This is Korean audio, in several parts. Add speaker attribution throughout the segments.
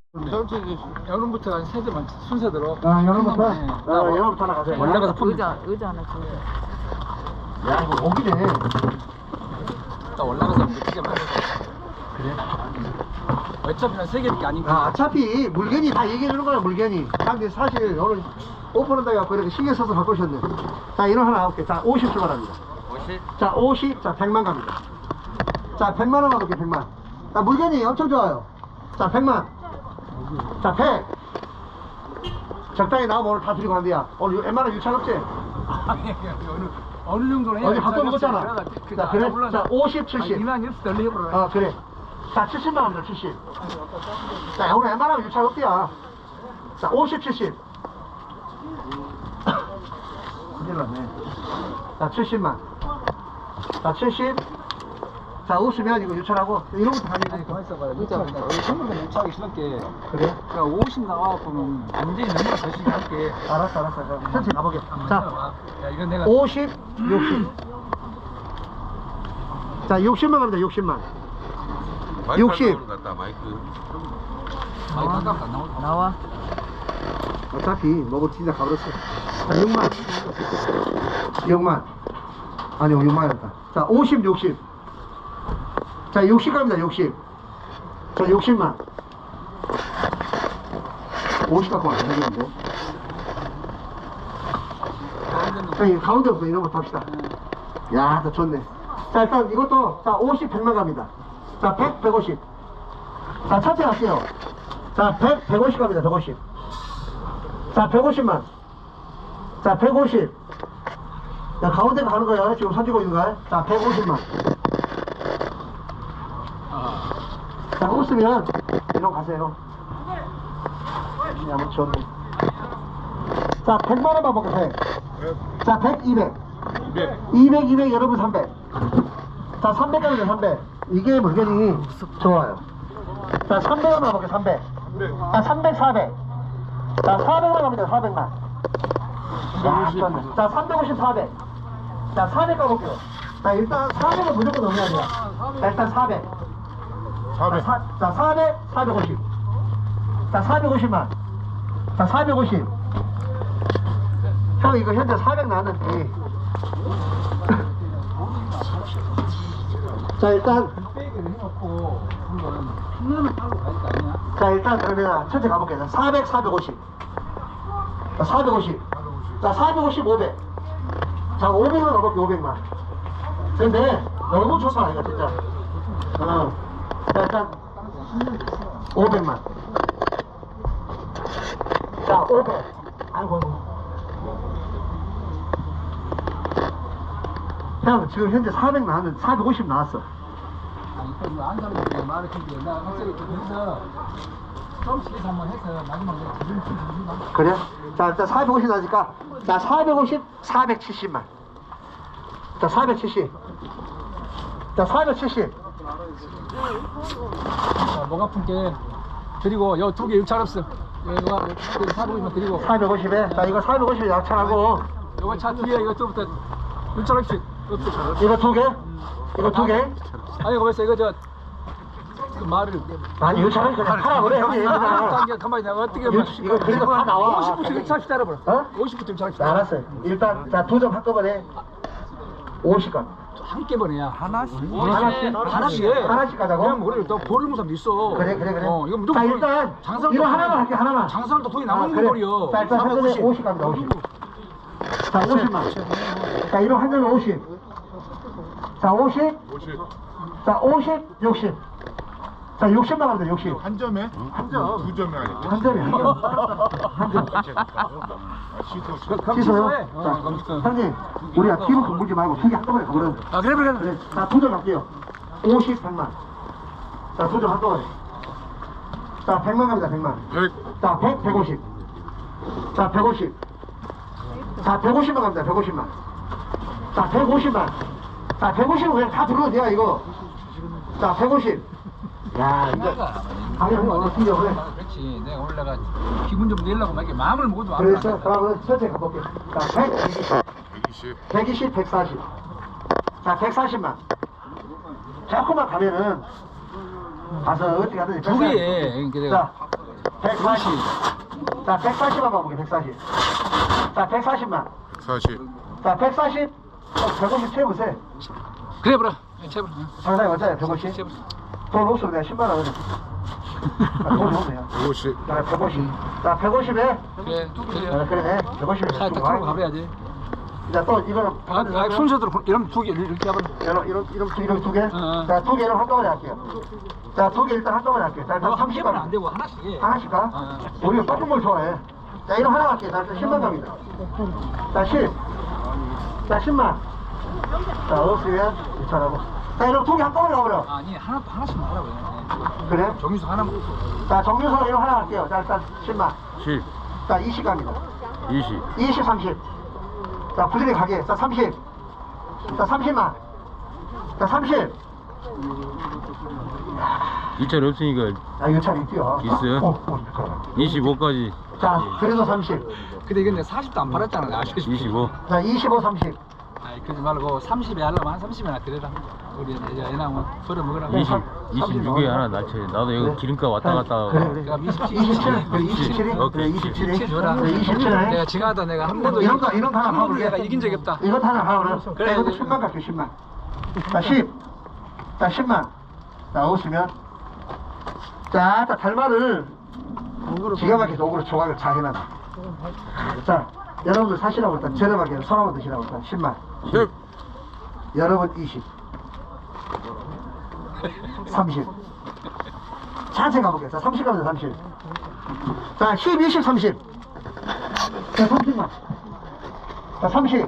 Speaker 1: 여름부터 한 세대만 순서대로.
Speaker 2: 여름부터?
Speaker 1: 네.
Speaker 2: 여름부터 하나 가세요.
Speaker 1: 올라가서
Speaker 3: 의자 하나 줘.
Speaker 2: 야, 이거 목이네.
Speaker 1: 딱 올라가서 느끼게 말해.
Speaker 2: 그래?
Speaker 1: 어차피 한 3개밖에 아니니까.
Speaker 2: 어차피 물건이 다 얘기해주는 거야, 물건이. 근데 사실 오늘 오픈한다고 해갖고 이렇게 신경 써서 바꾸셨네. 자, 이런 하나 가볼게. 자, 50 출발합니다.
Speaker 1: 50?
Speaker 2: 자, 50, 자, 100만 갑니다. 자, 100만 원 가볼게, 100만. 자, 물건이 엄청 좋아요. 자, 100만. 자, 100. 적당히 나오면 오늘 다 드리고 간대야. 오늘 웬만한 유찰 없지?
Speaker 1: 아니, 어느 정도는 해야
Speaker 2: 어제 밥도 먹었잖아. 자, 그래? 자, 50, 70.
Speaker 1: 이만 일수 덜 해보라.
Speaker 2: 그래. 자, 70만 원입니다, 70. 자, 오늘 웬만하면 유찰 없대야. 자, 50, 70. 큰일 났네. 자, 70만. 자, 70. 자, 웃으면 이거 유찰하고, 이런 것도
Speaker 1: 아니,
Speaker 2: 다니고.
Speaker 1: 가만 있어봐요. 의자, 우리 전부 다 유치하기 싫을게.
Speaker 2: 그래?
Speaker 1: 그러니까 50 나와갖고는 완전히 너무나 열심히 할게.
Speaker 2: 알았어. 천천히 가보게. 자,
Speaker 1: 야, 이건 내가.
Speaker 2: 50, 60. 자, 60만 갑니다, 60만.
Speaker 4: 마이크
Speaker 2: 60.
Speaker 4: 나오는 것 같다, 마이크.
Speaker 1: 많이 가깝다, 안 나오고.
Speaker 3: 나와.
Speaker 2: 어차피 먹을 진짜 가버렸어. 자, 6만. 6만. 아니요, 6만이었다. 자, 50, 60. 자, 60 갑니다, 60. 자, 60만. 50 갖고 안 되겠는데. 형님, 가운데부터 이런 거 탑시다. 야, 더 좋네. 자, 일단 이것도, 자, 50, 100만 갑니다. 자, 100, 150. 자, 차트 갈게요. 자, 100, 150 갑니다, 150. 자, 150만. 자, 150. 자, 가운데가 가는 거야. 지금 사주고 있는 거야. 자, 150만. 자, 웃으면 이런 가세요. 야, 뭐 좋네. 자, 100만 원만 먹게 100. 자, 100, 200. 200, 200, 여러분 300. 자, 300 갑니다, 300. 이게 물건이 좋아요. 자, 300원만 먹게 300. 자, 300, 400. 자, 400만 갑니다, 400만. 야, 좋네. 자, 350, 400. 자, 400 가볼게요. 자, 일단 400은 무조건 넘어야 돼요. 자, 일단 400. 400. 자, 400, 450. 자, 450만. 자, 450. 형, 이거 현재 400 나왔는데. 자, 일단. 자, 일단 그러면 천천히 가볼게요. 400, 450. 자, 450. 자, 450, 500. 자, 500만 가볼게요, 500만. 근데 너무 좋다, 이거 진짜. 자, 일단 500만. 자, 500. 아이고. 형, 지금 현재 400 나왔는데 450 나왔어.
Speaker 1: 아니, 그 앉아서 말을 했는데, 나 확실히 그래서 조금씩 해서 한번 해서 마지막에 기분 좀 주시나?
Speaker 2: 그래? 자, 일단 450 나니까. 자, 450, 470만. 자, 470. 자, 470.
Speaker 1: 자, 목 아픈 게 드리고, 요 2개 유찰 없어. 이거 450만 드리고.
Speaker 2: 450에. 자, 이거 450에 약차하고.
Speaker 1: 요거 차 뒤에 이것부터 유찰 없이.
Speaker 2: 이거 2개? 이거 2개?
Speaker 1: 아니, 거기서 이거 그 말을.
Speaker 2: 아니, 유찰은 그냥 하라 그래, 형님.
Speaker 1: 가만히 내가 어떻게
Speaker 2: 이거 그래도 다 나와.
Speaker 1: 50부터 유찰합시다, 여러분.
Speaker 2: 어?
Speaker 1: 50부터 유찰합시다.
Speaker 2: 자, 알았어요. 일단, 자, 2점 한꺼번에 50건.
Speaker 1: 한 개번이야.
Speaker 3: 하나씩.
Speaker 1: 하나씩 해.
Speaker 2: 하나씩 가자고?
Speaker 1: 그냥 우리 또 버리는 사람도 있어.
Speaker 2: 그래.
Speaker 1: 이거 무조건.
Speaker 2: 자, 일단, 이거 하나만 할게, 하나만.
Speaker 1: 장사할 때 돈이
Speaker 2: 아,
Speaker 1: 남는
Speaker 2: 그래.
Speaker 1: 거 버려.
Speaker 2: 자, 일단 한 점에 50 갑니다, 50. 자, 50만. 자, 이런 한 점에 50. 자, 50. 자, 50, 60. 자, 60만 갑니다, 60.
Speaker 4: 한 점에?
Speaker 2: 한 점.
Speaker 4: 두 점이 아니고.
Speaker 2: 한 점이 한 점. 한 점. 취소요? 자, 형님, 우리가 피부 건물지 말고 2개 한꺼번에 가버려.
Speaker 1: 아, 그래.
Speaker 2: 자, 2점 갈게요. 50, 100만. 자, 2점 한꺼번에. 자, 100만 갑니다, 100만.
Speaker 4: 100.
Speaker 2: 자, 100, 150. 자, 150. 자, 150만 갑니다, 150만. 자, 150만. 자, 150은 그냥 다 들어도 돼요, 이거. 자, 150. 야, 이거. 당연히 어느 팀이야, 그래.
Speaker 1: 그렇지. 내가 올라가 기분 좀 내려고 막 이렇게 마음을 먹어도 안
Speaker 2: 그래서, 그러면 천천히 가볼게요. 자, 120.
Speaker 4: 120.
Speaker 2: 120, 140. 자, 140만. 조금만 가면은, 가서 어떻게 하든지.
Speaker 1: 두 개에. 그러니까
Speaker 2: 자, 140. 자, 140만 봐볼게, 140. 자, 140만.
Speaker 4: 40.
Speaker 2: 자, 140. 150 채우세요.
Speaker 1: 그래 보라. 제발.
Speaker 2: 상당히 맞아요, 150. 돈 없으면 내가 10만 원. 돈이 없네요.
Speaker 4: 50.
Speaker 2: 자, 150. 자, 150에.
Speaker 1: 그래.
Speaker 2: 그래, 150에.
Speaker 1: 차 딱 타고 가봐야지.
Speaker 2: 자, 또 이거는.
Speaker 1: 순서대로 이러면 두 개 이렇게 하면.
Speaker 2: 이런 두 개?
Speaker 1: 어.
Speaker 2: 자, 두 개를 한꺼번에 할게요. 자, 두 개 일단 한꺼번에 할게요. 자, 일단
Speaker 1: 한
Speaker 2: 30만
Speaker 1: 개만 안 되고 하나씩 해.
Speaker 2: 하나씩 가?
Speaker 1: 어.
Speaker 2: 우리가 꺾은 걸 좋아해. 자, 이런 하나 할게요. 자, 10만 갑니다. 자, 10. 자, 10만. 자, 없으면 2천하고. 자, 이런 두 개 한꺼번에 가버려.
Speaker 1: 아니 하나씩만 하라고 해.
Speaker 2: 그래?
Speaker 1: 정유수 하나만.
Speaker 2: 자, 정유서 이런 하나 할게요. 자, 일단 10만.
Speaker 4: 10.
Speaker 2: 자, 20 갑니다.
Speaker 4: 20.
Speaker 2: 20, 30. 자, 부지런히 가게. 자, 30. 자, 30만. 자, 30.
Speaker 4: 2차례 없으니까
Speaker 2: 아, 이거 참 있지요.
Speaker 4: 있어요? 25까지.
Speaker 2: 자, 그래도 30.
Speaker 1: 근데 이건 내가 40도 안 팔았잖아. 내가 아시다시피.
Speaker 4: 25.
Speaker 2: 자, 25, 30.
Speaker 1: 아이 그러지 말고 30에 하려면 한 30이나 드려라. 우리 이제 애 나오면 벌어 먹으라고.
Speaker 4: 26에 하나 낮춰. 나도 여기 기름값 왔다 갔다.
Speaker 2: 그래.
Speaker 1: 그럼 27.
Speaker 2: 27? 그래, 27이?
Speaker 4: 어,
Speaker 2: 그래, 27이?
Speaker 1: 27 줘라.
Speaker 2: 그래, 27에?
Speaker 1: 내가 지나다 내가 한 번도
Speaker 2: 이런 거 하나
Speaker 1: 한 번도
Speaker 2: 봐볼게.
Speaker 1: 내가 이긴 적이 없다.
Speaker 2: 이것도 하나 봐보라.
Speaker 1: 그래.
Speaker 2: 이것도 10만 갈게, 10만. 자, 10. 자, 10만. 자, 없으면. 자, 달마를 기가 막히게 도구로 조각을 잘 해놔라. 자, 여러분들 사시라고 일단 저렴하게 손 한번 드시라고 일단 10만.
Speaker 4: 10.
Speaker 2: 여러분 20. 30. 천천히 가볼게요. 자, 30 가면 30. 자, 10, 20, 30. 자, 30만. 자, 30.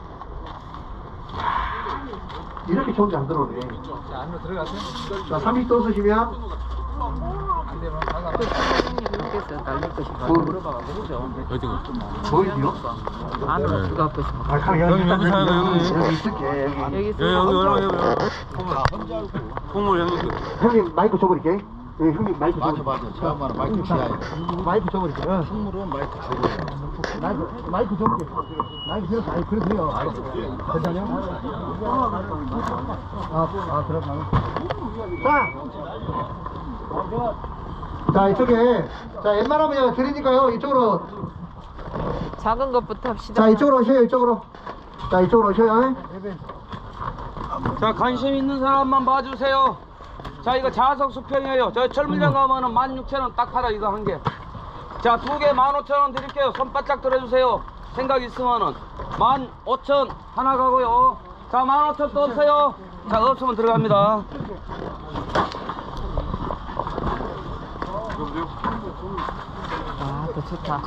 Speaker 2: 이렇게 좋은지 안 들어오네.
Speaker 1: 자, 안으로 들어가세요.
Speaker 2: 자, 30 또 쓰시면,
Speaker 1: 안 되면 나가.
Speaker 4: 어디가?
Speaker 2: 보이지요?
Speaker 4: 안으로
Speaker 2: 아, 여기
Speaker 4: 여기 사요, 여기.
Speaker 2: 여기 있을게, 여기.
Speaker 4: 여기 얼마 여기. 콩물 형님.
Speaker 2: 형님, 마이크 줘버릴게. 예, 형님, 마이크 줘버릴게.
Speaker 3: 맞아. 처음에는 마이크 치아야
Speaker 2: 마이크 줘버릴게. 응.
Speaker 3: 선물은 마이크 주고.
Speaker 2: 마이크 줘볼게. 마이크 들어서, 아니, 그래도 돼요. 괜찮아요? 그럼. 자, 이쪽에, 자, 웬만하면 드리니까요, 이쪽으로.
Speaker 5: 작은 것부터 합시다.
Speaker 2: 자, 이쪽으로 오셔요, 이쪽으로. 자, 이쪽으로 오셔요.
Speaker 6: 자, 관심 있는 사람만 봐주세요. 자, 이거 자석 수평이에요. 저 철물점 가면은 16,000원 딱 팔아, 이거 한 개. 자, 두 개 15,000원 드릴게요. 손 바짝 들어주세요. 생각 있으면은 15,000 하나 가고요. 자, 15,000 또 없어요. 자, 없으면 들어갑니다.
Speaker 5: 아, 더 좋다.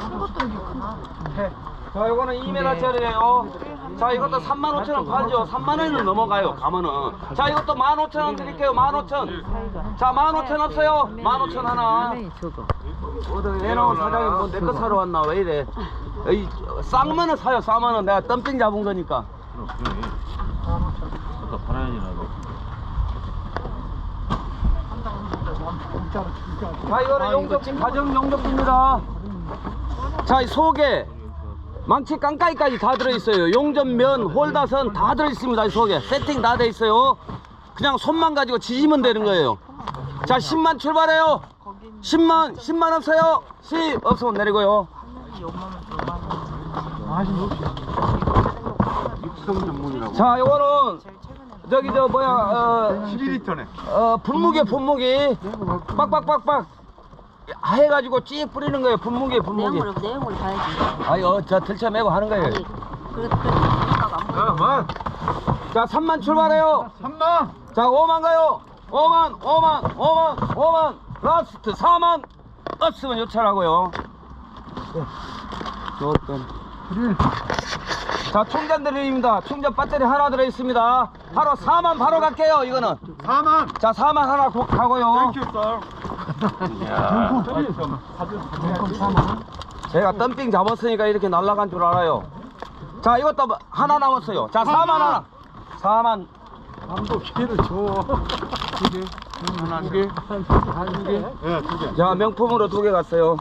Speaker 6: 자, 이거는 2m짜리예요. 자, 이것도 35,000원 팔죠. 3만원은 넘어가요, 가면은. 자, 이것도 15,000원 드릴게요. 15,000. 자, 15,000 없어요. 15,000 하나.
Speaker 5: 저거.
Speaker 6: 어디 애나온 사장이 뭐 내 거 사러 왔나? 왜 이래? 이 쌍만원 사요. 쌍만원. 내가 덤핑 잡은 거니까. 자, 이거는 용접기 가정 용접기입니다. 자, 이 속에 망치 깡까이까지 다 들어있어요. 용접면, 홀다선 다 들어있습니다. 이 속에 세팅 다 돼 있어요. 그냥 손만 가지고 지지면 되는 거예요. 자, 10만 출발해요. 10만 없어요. 10 없으면 내리고요. 자, 요거는 저기 저 뭐야 12리터네. 분무기 빡빡빡빡 해가지고 찌 뿌리는 거예요. 분무기.
Speaker 5: 내용을 봐야지.
Speaker 6: 아유, 저 들쳐 매고 하는 거예요.
Speaker 5: 그래도 생각 안
Speaker 6: 자, 3만 출발해요. 3만. 자, 5만 가요. 5만. 라스트 4만. 없으면 요찰하고요. 좋던. 자, 충전 드립니다. 충전 배터리 하나 들어있습니다. 바로 4만 바로 갈게요. 이거는 4만. 자, 4만 하나 가고요. 제가 덤핑 잡았으니까 이렇게 날아간 줄 알아요. 자, 이것도 하나 남았어요. 자, 4만 하나. 4만. 자, 명품으로 2개 갔어요.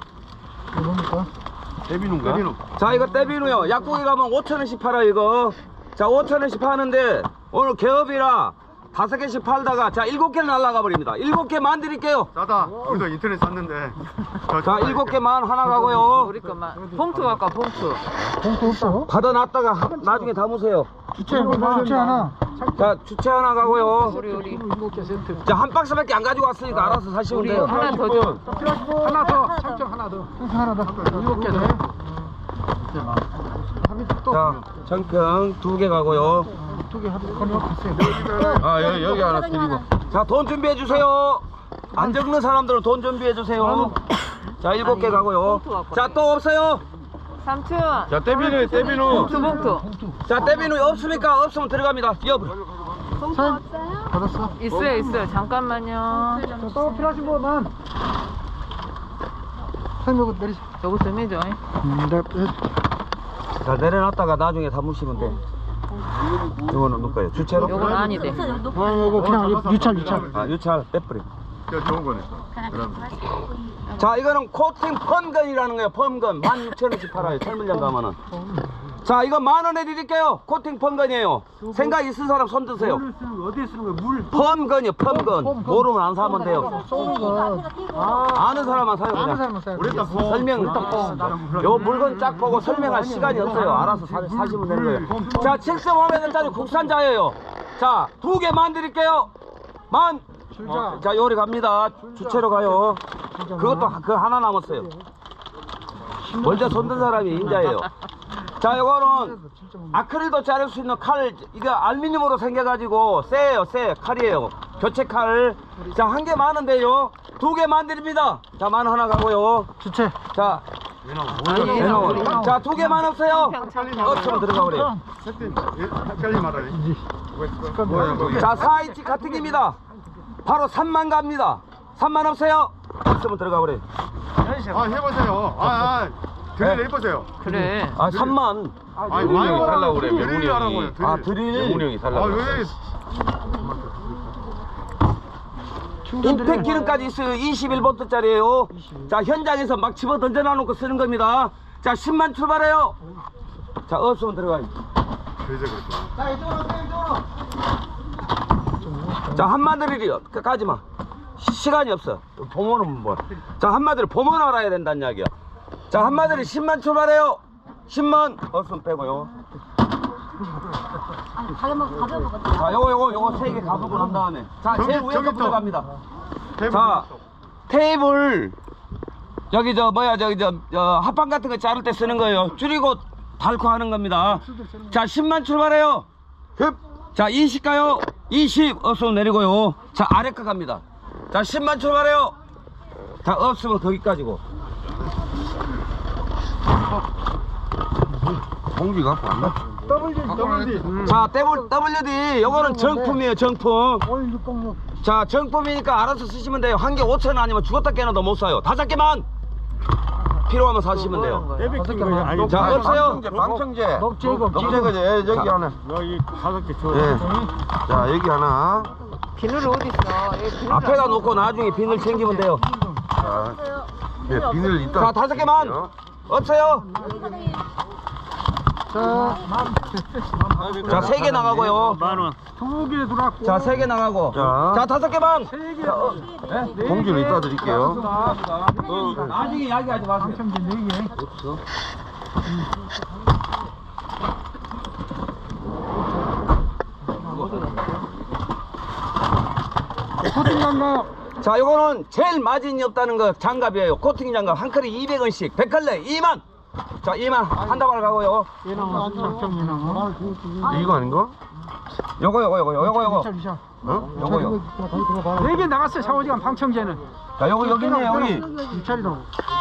Speaker 4: 대비누인가?
Speaker 6: 자, 이거 떼비누요. 약국에 가면 5,000원씩 팔아, 이거. 자, 5,000원씩 파는데 오늘 개업이라 5개씩 팔다가 자 7개를 날라가 버립니다. 7개만 드릴게요.
Speaker 3: 싸다. 우리도 인터넷 샀는데.
Speaker 6: 자 7개만 하나 가고요.
Speaker 5: 우리 것만. 봉투 갈까, 봉투.
Speaker 2: 봉투 없어?
Speaker 6: 받아놨다가 나중에 담으세요.
Speaker 2: 주체 하나.
Speaker 6: 자 주체 하나 가고요.
Speaker 5: 우리.
Speaker 6: 자 한 박스밖에 안 가지고 왔으니까 알아서 사시면
Speaker 5: 우리
Speaker 6: 돼요.
Speaker 5: 하나 더 줘.
Speaker 1: 하나 더, 상점 하나 더.
Speaker 2: 하나 더.
Speaker 1: 7개 더.
Speaker 6: 자 정평 2개 가고요.
Speaker 2: 2개 하나.
Speaker 3: 아 여기 하나 드리고.
Speaker 6: 자 돈 준비해 주세요. 안 적는 사람들은 돈 준비해 주세요. 자 7개 가고요. 자 또 없어요.
Speaker 5: 삼촌.
Speaker 3: 자 떼비누.
Speaker 5: 봉투.
Speaker 6: 자 떼비누 없습니까? 없으면 들어갑니다. 여보.
Speaker 5: 봉투 없어요?
Speaker 2: 받았어.
Speaker 5: 있어요. 잠깐만요.
Speaker 2: 또 필요하신 분만. 사장님 내리시.
Speaker 5: 요거 좀 해줘.
Speaker 2: 네.
Speaker 6: 자 내려놨다가 나중에 담으시면 돼. 이거는 누가요? 주체로?
Speaker 5: 요건 아니대.
Speaker 2: 이거 그냥 유찰.
Speaker 6: 아 유찰 빼버려.
Speaker 3: 저 좋은 거네. 그럼.
Speaker 6: 자 이거는 코팅 펌건이라는 거예요. 펌건 16,000원씩 팔아요. 철물점 가면은. 자 이거 10,000원에 드릴게요. 코팅 펌건이에요. 생각 있는 사람 손 드세요.
Speaker 1: 어디에 쓰는 거야? 물.
Speaker 6: 펌건이요. 펌건. 모르면 안 사면 돼요.
Speaker 2: 쏘는 거.
Speaker 6: 아는 사람만 사요
Speaker 2: 아는
Speaker 6: 그냥.
Speaker 2: 사람은 써요.
Speaker 3: 우리 다
Speaker 6: 설명 요 물건 쫙 보고 설명할 시간이 없어요. 알아서 사시면 되는 거예요. 자 75만원짜리 국산자예요. 자 2개만 드릴게요. 만. 자 요리 갑니다. 주체로 가요. 그것도 그 하나 남았어요. 먼저 손든 사람이 인자예요. 자 요거는 아크릴도 자를 수 있는 칼. 이거 알루미늄으로 생겨가지고 세요. 세 칼이에요. 교체 칼. 자 한 개 많은데요. 2개만 드립니다. 자 만 하나 가고요.
Speaker 2: 주체.
Speaker 6: 자
Speaker 5: 얘는
Speaker 6: 자 2개만 없어요. 없으면 들어가 버려요.
Speaker 3: 헷갈리 말하네. 뭐야.
Speaker 6: 자 4인치 같은 겁니다. 바로 3만 갑니다. 3만 없어요. 없으면 들어가 버려요.
Speaker 3: 아 해보세요. 드릴 해보세요.
Speaker 5: 그래.
Speaker 6: 아 3만.
Speaker 3: 아니 많이 살라고 그래. 명훈이 형이.
Speaker 6: 아 드릴.
Speaker 3: 명훈이 형이 살라고. 왜?
Speaker 6: 임팩 기름까지 있어요. 21V짜리예요. 자 현장에서 막 집어 던져놔 놓고 쓰는 겁니다. 자 10만 출발해요. 자 없으면 들어가요.
Speaker 3: 그래서 그렇구나.
Speaker 2: 자, 이쪽으로.
Speaker 6: 자 한마디를요. 가지마. 시간이 없어. 보면은 뭐. 자 한마디를 보면 알아야 된다는 이야기야. 자 한마디를 10만 출발해요. 10만 없으면 빼고요. 자 요거 3개 가보고 난 다음에 자 제일 위에 거부터 갑니다. 자 테이블 여기 합판 같은 거 자를 때 쓰는 거예요. 줄이고 닳고 하는 겁니다. 자 10만 출발해요. 자 20 가요. 20 없으면 내리고요. 자 아래 거 갑니다. 자 10만 출발해요. 자 없으면 거기까지고.
Speaker 3: 공기 갖고 왔나?
Speaker 6: 자 WD 요거는 정품이에요. 정품.
Speaker 2: 올 606.
Speaker 6: 자 정품이니까 알아서 쓰시면 돼요. 한 개 5,000원 아니면 죽었다 깨나도 못 사요. 5개만 필요하면 사시면 돼요. 자 없어요.
Speaker 3: 방청제.
Speaker 2: 녹제거.
Speaker 3: 녹제거제 여기 하나.
Speaker 1: 여기 5개 줘.
Speaker 3: 예. 자 여기 하나.
Speaker 5: 비늘 어디 있어? 얘 비늘
Speaker 6: 앞에다 놓고 나중에 비늘 챙기면 돼요.
Speaker 3: 자, 예, 비늘
Speaker 6: 자
Speaker 3: 있다.
Speaker 6: 5개만 없어요. 자 3개 나가고요.
Speaker 1: 2개 들어왔고.
Speaker 6: 자 3개 나가고.
Speaker 3: 자.
Speaker 6: 자 5개만.
Speaker 1: 3개.
Speaker 3: 공주를 이따 드릴게요.
Speaker 6: 나중에 이야기하지 마세요.
Speaker 1: 상점제 4개. 코팅 장갑.
Speaker 6: 자 요거는 제일 마진이 없다는 거 장갑이에요. 코팅 장갑 한 컬에 200원씩 100컬레 2만. 자 2만 한 다발 가고요.
Speaker 1: 얘는 상점이나.
Speaker 3: 이거 아닌가?
Speaker 6: 요거
Speaker 3: 어?
Speaker 6: 요거요.
Speaker 1: 4개 나갔어요. 샤워지간 방청제는.
Speaker 6: 자 요거 여기 있네 여기.
Speaker 2: 유찰이라고.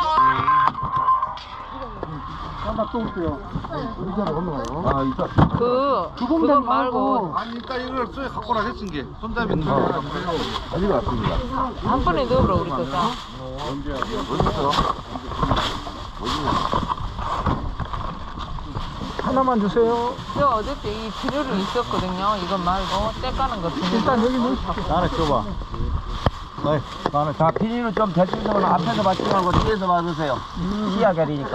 Speaker 2: 또 올게요. 의자로 건너가요.
Speaker 3: 아 있다.
Speaker 5: 그거 말고
Speaker 3: 아니 일단 이걸 쏘에 갖고 나 했은 게 손잡이 아직 왔습니다.
Speaker 5: 한 번에 넣어보라 우리 거 다.
Speaker 3: 어딨어?
Speaker 2: 하나만 주세요.
Speaker 5: 저 어저께 이 비늘은 있었거든요. 이건 말고 때 까는 거 비늘.
Speaker 2: 일단 여기 놓으십시오.
Speaker 3: 나는 줘봐. 나는
Speaker 6: 자 비닐은 좀 대충 좀 앞에서 받지 말고 뒤에서 받으세요. 시야 가리니까.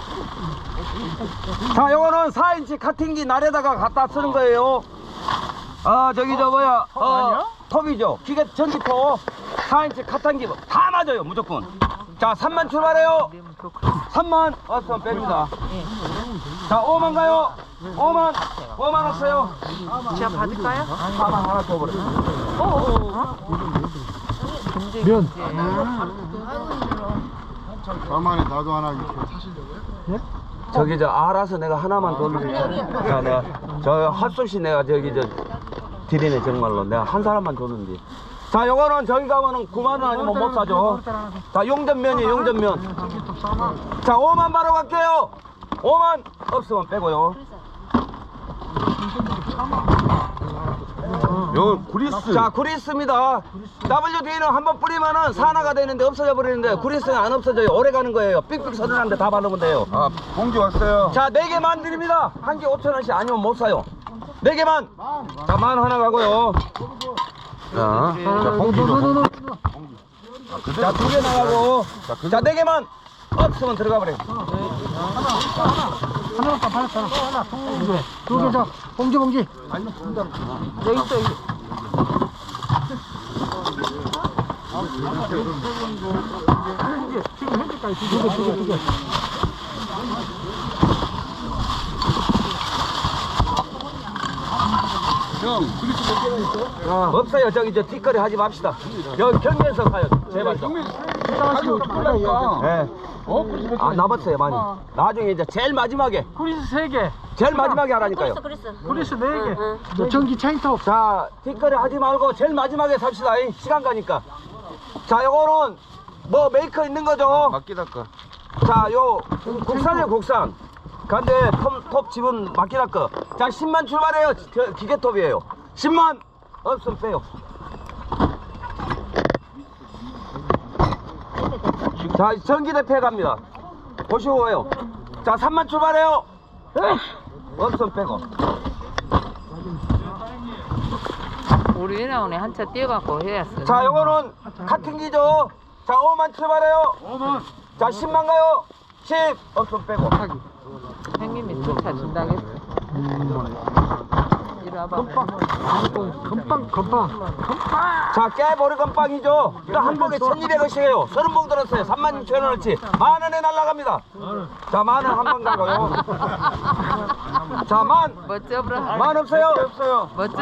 Speaker 6: 자 요거는 4인치 카팅기 날에다가 갖다 쓰는 거예요. 저기 저 뭐야 톱이죠. 기계 전기톱 4인치 카탄기 다 맞아요 무조건. 자 3만 출발해요. 3만 없으면 뺍니다. 자 5만 가요. 5만 없어요.
Speaker 5: 제가 받을까요?
Speaker 6: 4만 하나 더 버려.
Speaker 5: 면.
Speaker 3: 가만히 나도 하나 이렇게 사시려고요?
Speaker 6: 저기 저 알아서 내가 하나만 더 넣을게. 자 내가 저 핫소시 내가 저기 저 드리네 정말로 내가 한 사람만 줬는데. 자 요거는 저기 가면은 9만 원 아니면 못 사죠. 자 용전면이에요 용전면. 자 5만 바로 갈게요. 5만 없으면 빼고요.
Speaker 3: 요 구리스.
Speaker 6: 자 구리스입니다. WD는 한번 뿌리면은 산화가 되는데 없어져 버리는데 구리스는 안 없어져요. 오래 가는 거예요. 삑삑 서른한데 다 바르면 돼요.
Speaker 3: 아 봉지 왔어요.
Speaker 6: 자 4개만 드립니다. 한 개 5,000원씩 아니면 못 사요. 4개만. 자 만 하나 가고요.
Speaker 3: 자 봉지 줘.
Speaker 6: 자 2개 나가고. 자 4개만 없으면 들어가 버려.
Speaker 2: 하나 받았잖아. 하나, 두 개, 저 봉지.
Speaker 5: 여기 있어, 여기.
Speaker 2: 지금 현재까지 두 개.
Speaker 6: 없어요. 저기 저 뒷거리 하지 맙시다. 여기 경계에서 가요. 제발 좀. 네. 아 남았어요 많이. 나중에 이제 제일 마지막에.
Speaker 2: 구리스 3개.
Speaker 6: 제일 마지막에 하라니까요.
Speaker 2: 구리스 4개. 전기 체인톱.
Speaker 6: 자, 뒷거리 하지 말고 제일 마지막에 삽시다. 이 시간 가니까. 자, 요거는 뭐 메이커 있는 거죠?
Speaker 3: 맡기다 까.
Speaker 6: 자, 요 국산이에요, 국산. 근데 톱 집은 맡기다 거. 자, 10만 출발해요. 기계톱이에요. 10만 없으면 빼요. 자, 전기대패 갑니다. 보시고 해요. 자, 3만 출발해요. 없으면 빼고.
Speaker 5: 우리 이나원에 한차 뛰어갖고 해야어.
Speaker 6: 자, 요거는 카팅기죠. 자, 5만 출발해요. 5만. 자, 10만 가요. 10 없으면 빼고.
Speaker 5: 형님이 주차 준다겠어. 이리 와봐.
Speaker 2: 건빵.
Speaker 6: 자, 깨보리 건빵이죠. 이거 한 봉에 1,200원씩이에요. 30봉 들었어요. 36,000원어치. 만 원에 날라갑니다. 자, 만 원 한 번 가고요. 자, 만
Speaker 5: 멋져보라.
Speaker 6: 없어요.
Speaker 5: 멋져.